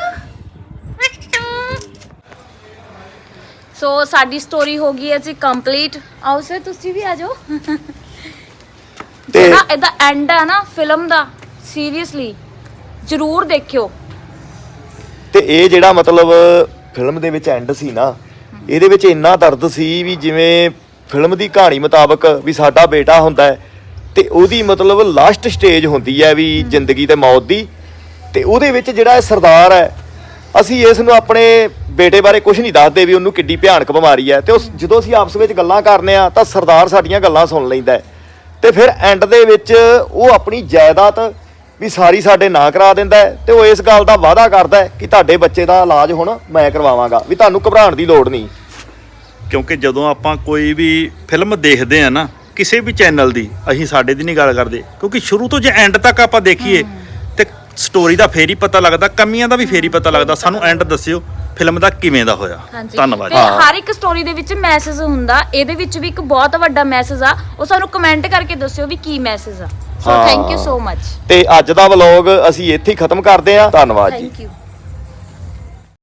B: ਸੋ ਸਾਡੀ ਸਟੋਰੀ ਹੋ ਗਈ ਹੈ ਜੀ ਕੰਪਲੀਟ। ਆਓ ਸਰ ਤੁਸੀਂ ਵੀ ਆ ਜਾਓ।
A: ਤੇ
B: ਜਿਹੜਾ ਇਹਦਾ ਐਂਡ ਹੈ ਨਾ ਫਿਲਮ ਦਾ, ਸੀਰੀਅਸਲੀ ਜ਼ਰੂਰ ਦੇਖਿਓ।
A: ਤੇ ਇਹ ਜਿਹੜਾ ਮਤਲਬ ਫਿਲਮ ਦੇ ਵਿੱਚ ਐਂਡ ਸੀ ਨਾ, ਇਹਦੇ ਵਿੱਚ ਇੰਨਾ ਦਰਦ ਸੀ ਵੀ ਜਿਵੇਂ ਫਿਲਮ ਦੀ ਕਹਾਣੀ ਮੁਤਾਬਕ ਵੀ ਸਾਡਾ ਬੇਟਾ ਹੁੰਦਾ ਹੈ ਤੇ ਉਹਦੀ ਮਤਲਬ ਲਾਸਟ ਸਟੇਜ ਹੁੰਦੀ ਹੈ ਵੀ ਜ਼ਿੰਦਗੀ ਤੇ ਮੌਤ ਦੀ, ਤੇ ਉਹਦੇ ਵਿੱਚ ਜਿਹੜਾ ਇਹ ਸਰਦਾਰ ਹੈ, ਅਸੀਂ ਇਸ ਨੂੰ ਆਪਣੇ ਬੇਟੇ ਬਾਰੇ ਕੁਝ ਨਹੀਂ ਦੱਸਦੇ ਵੀ ਉਹਨੂੰ ਕਿੱਡੀ ਭਿਆਨਕ ਬਿਮਾਰੀ ਹੈ। ਤੇ ਉਸ ਜਦੋਂ ਅਸੀਂ ਆਪਸ ਵਿੱਚ ਗੱਲਾਂ ਕਰਨੇ ਆ ਤਾਂ ਸਰਦਾਰ ਸਾਡੀਆਂ ਗੱਲਾਂ ਸੁਣ ਲੈਂਦਾ ਹੈ ਤੇ ਫਿਰ ਐਂਡ ਦੇ ਵਿੱਚ ਉਹ ਆਪਣੀ ਜਾਇਦਾਦ ਵੀ ਸਾਰੀ ਸਾਡੇ ਨਾਂ ਕਰਾ ਦਿੰਦਾ ਹੈ ਤੇ ਉਹ ਇਸ ਗੱਲ ਦਾ ਵਾਅਦਾ ਕਰਦਾ ਹੈ ਕਿ ਤੁਹਾਡੇ ਬੱਚੇ ਦਾ ਇਲਾਜ ਹੁਣ ਮੈਂ ਕਰਵਾਵਾਂਗਾ, ਵੀ ਤੁਹਾਨੂੰ ਘਬਰਾਉਣ ਦੀ ਲੋੜ ਨਹੀਂ।
C: ਕਿਉਂਕਿ ਜਦੋਂ ਆਪਾਂ ਕੋਈ ਵੀ ਫਿਲਮ ਦੇਖਦੇ ਆ ਨਾ ਕਿਸੇ ਵੀ ਚੈਨਲ ਦੀ, ਅਸੀਂ ਸਾਡੇ ਦੀ ਨਹੀਂ ਗੱਲ ਕਰਦੇ, ਕਿਉਂਕਿ ਸ਼ੁਰੂ ਤੋਂ ਜੇ ਐਂਡ ਤੱਕ ਆਪਾਂ ਦੇਖੀਏ ਤੇ ਸਟੋਰੀ ਦਾ ਫੇਰ ਹੀ ਪਤਾ ਲੱਗਦਾ, ਕਮੀਆਂ ਦਾ ਵੀ ਫੇਰ ਹੀ ਪਤਾ ਲੱਗਦਾ। ਸਾਨੂੰ ਐਂਡ ਦੱਸਿਓ ਫਿਲਮ ਦਾ ਕਿਵੇਂ ਦਾ ਹੋਇਆ। ਧੰਨਵਾਦ
B: ਤੇ ਹਰ ਇੱਕ ਸਟੋਰੀ ਦੇ ਵਿੱਚ ਮੈਸੇਜ ਹੁੰਦਾ, ਇਹਦੇ ਵਿੱਚ ਵੀ ਇੱਕ ਬਹੁਤ ਵੱਡਾ ਮੈਸੇਜ ਆ, ਉਹ ਸਾਨੂੰ ਕਮੈਂਟ ਕਰਕੇ ਦੱਸਿਓ ਵੀ ਕੀ ਮੈਸੇਜ ਆ। So thank you so much.
A: ਤੇ ਅੱਜ ਦਾ ਵਲੌਗ ਅਸੀਂ ਇੱਥੇ ਹੀ ਖਤਮ ਕਰਦੇ ਹਾਂ। ਧੰਨਵਾਦ ਜੀ।
B: Thank you.